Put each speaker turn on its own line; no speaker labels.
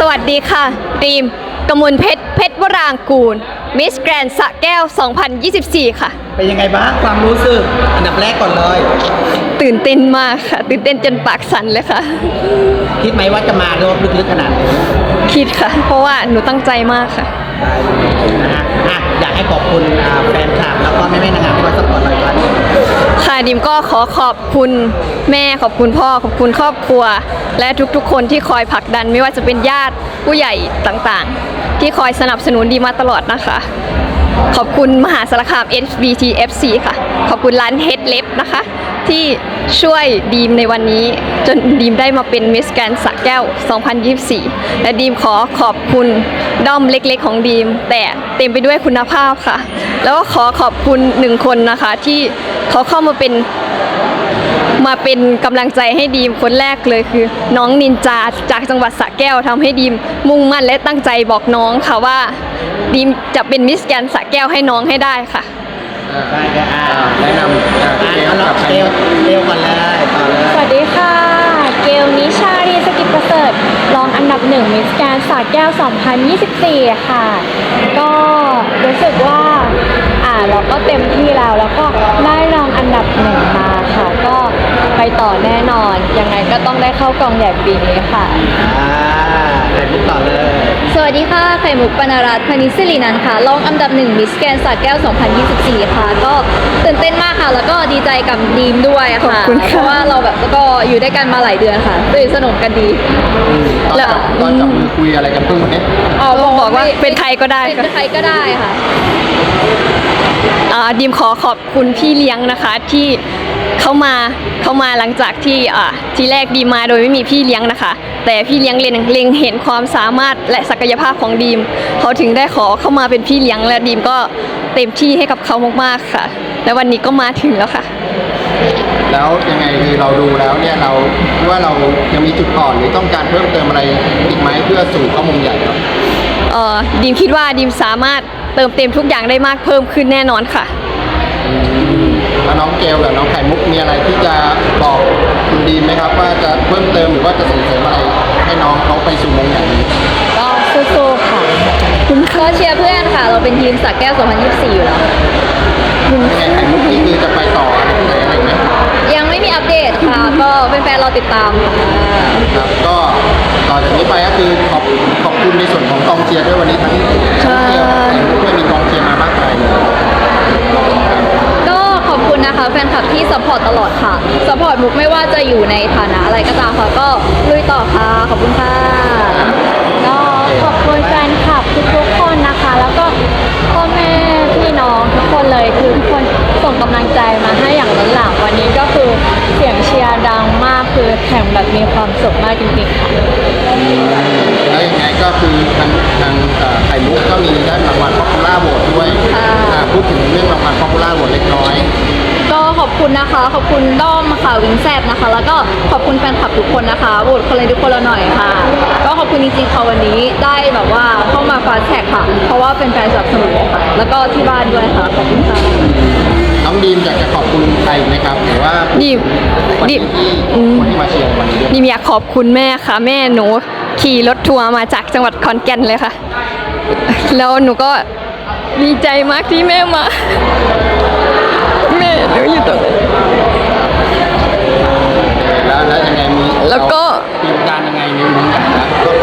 วัสดีค่ะดีมกมลเพชรวรางกูลมิสแกรนด์สระแก้ว 2024 ค่ะ
เป็นยังไงบ้างความรู้สึกอันดับแรกก่อนเลย
ตื่นเต้นมากค่ะตื่นเต้นจนปากสั่นเลยค่ะ
คิดไหมว่าจะมารอบลึกๆขนาดนี้
คิดค่ะเพราะว่าหนูตั้งใจมากค่ะ
นะฮะอยากให้ขอบคุณแฟนคลับแล้วก็แม่ๆนางงามที่มาสปอร์ตรายการ
ค่ะดิมก็ขอขอบคุณแม่ขอบคุณพ่อขอบคุณครอบครัวและทุกๆคนที่คอยผลักดันไม่ว่าจะเป็นญาติผู้ใหญ่ต่างๆที่คอยสนับสนุนดีมาตลอดนะคะขอบคุณมหาสารคาม SBTFC ค่ะขอบคุณร้านเฮดเล็บนะคะที่ช่วยดีมในวันนี้จนดีมได้มาเป็นมิสแกรนด์สระแก้ว 2024 และดีมขอขอบคุณด้อมเล็กๆของดีมแต่เต็มไปด้วยคุณภาพค่ะแล้วก็ขอขอบคุณ1คนนะคะที่เขาเข้ามาเป็นกำลังใจให้ดีมคนแรกเลยคือน้องนินจาจากจังหวัดสระแก้วทำให้ดีมมุ่งมั่นและตั้งใจบอกน้องค่ะว่าดีมจะเป็นมิสแกรนด์สระแก้วให้น้องให้ได้ค่ะ
ได้แนะนำเกลก่อนเลยต่อเลย
สวัสดีค่ะเกลนิชารีสกิจประเสริฐรองอันดับ1มิสแกรนด์สระแก้ว 2024 ค่ะก็รู้สึกว่าเราก็เต็มที่แล้วก็ได้รองอันดับ1มาค่ะก็ไปต่อแน่นอนยังไงก็ต้องได้เข้ากองใหญ่ปีนี้ค่ะ
ไข่มุกต่อเลย
สวัสดีค่ะไข่มุกปนรัตน์พนิศิรินันท์ค่ะรองอันดับ1มิสแกรนด์สระแก้ว 2024 ค่ะก็ตื่นเต้นมากค่ะแล้วก็ดีใจกับดีมด้วยค่ะเพราะว่าเราแบบก็อยู่ด้วยกันมาหลายเดือนค่ะสนิทสนมกันดี
แล้วตอนจับมือคุยอะไรกันเพิ่งเนี่ย
บอกว่าเป็นใครก็ได้
เป็นใครก็ได้ค่ะ
ดีมขอบคุณพี่เลี้ยงนะคะที่เข้ามาหลังจากที่ทีแรกดีมมาโดยไม่มีพี่เลี้ยงนะคะแต่พี่เลี้ยงเล็งเห็นความสามารถและศักยภาพของดีมเขาถึงได้ขอเข้ามาเป็นพี่เลี้ยงและดีมก็เต็มที่ให้กับเขามากๆค่ะและวันนี้ก็มาถึงแล้วค่ะ
แล้วยังไงคือเราดูแล้วเนี่ยเราว่าเรายังมีจุดอ่อนหรือต้องการเพิ่มเติมอะไรอีกไหมเพื่อสู่ข้อมูลใหญ่ครับ
ดีมคิดว่าดีมสามารถเติมเต็มทุกอย่างได้มากเพิ่มขึ้นแน่นอนค่ะ
แล้วน้องเกลกับน้องไข่มุกมีอะไรที่จะบอกคุณดีมไหมครับว่าจะเพิ่มเติมหรือว่าจะส่งเสริมอะไรให้น้องเขาไปสู่มงใหญ่
ก็สู้ๆค่ะก็เชียร์เพื่อนค่ะเราเป็นทีมสระแก้ว 2024 อยู่แล้ว
ยังไงไข่มุกนี่คือจะไปต่อที่ไหนอะไรไหม
ยังไม่มีอัปเดตค่ะก็เป็นแฟนเราติดตาม
ครับก็ต่อจากนี้ไปก็คือขอบคุณในส่วนของกองเชียร์ด้วยวันนี้ทั้งเกลไข่มุกด้วยมีกองเชียร์มาบ้างไหม
ก็ขอบคุณนะคะแฟนคลับที่ซัพพอร์ตตลอดค่ะซัพพอร์ตมุกไม่ว่าจะอยู่ในฐานะอะไรก็ตามค่ะก็ลุยต่อค่ะขอบคุณค่ะก็ขอบคุณแฟนคลับทุกคนนะคะแล้วก็พ่อแม่พี่น้องทุกคนเลยคือทุกคนส่งกำลังใจมาให้อย่างล้นหลามวันนี้ก็คือเสียงเชียร์ดังมากคือแข่งแบบมีความสุขมากจริงๆค่ะ
แล้วยังไงก็คือทางไข่มุกก็มีได้รางวัล Popular Vote ด้วยพูดถึงเรื่องรางวัล Popular Vote เล็กน้อย
ก็ขอบคุณนะคะขอบคุณด้อมค่ะวิงแซบนะคะแล้วก็ขอบคุณแฟนคลับทุกคนนะคะโหวตคนเลยทุกคนละหน่อยค่ะก็ขอบคุณจริงๆค่ะวันนี้ได้แบบว่าเข้ามาฟาสแท็กค่ะเพราะว่าเป็นแฟนสนับสนุนค่ะแล้วก็ที่บ้านด้วยค่ะขอบคุณค่ะ
น้องดีมอยากจะขอบคุณใครไหมครับหรือว่า
ดีม
คนที่มาเชียร์วันนี้
ดีมอยากขอบคุณแม่ค่ะแม่หนูขี่รถทัวร์มาจากจังหวัดขอนแก่นเลยค่ะแล้วหนูก็ดีใจมากที่แม่มาแม่หนูอยู่ตรงนี้
แล้วยังไงมี
แล้วก็
เตรียมการยังไงในมุมไหนนะก็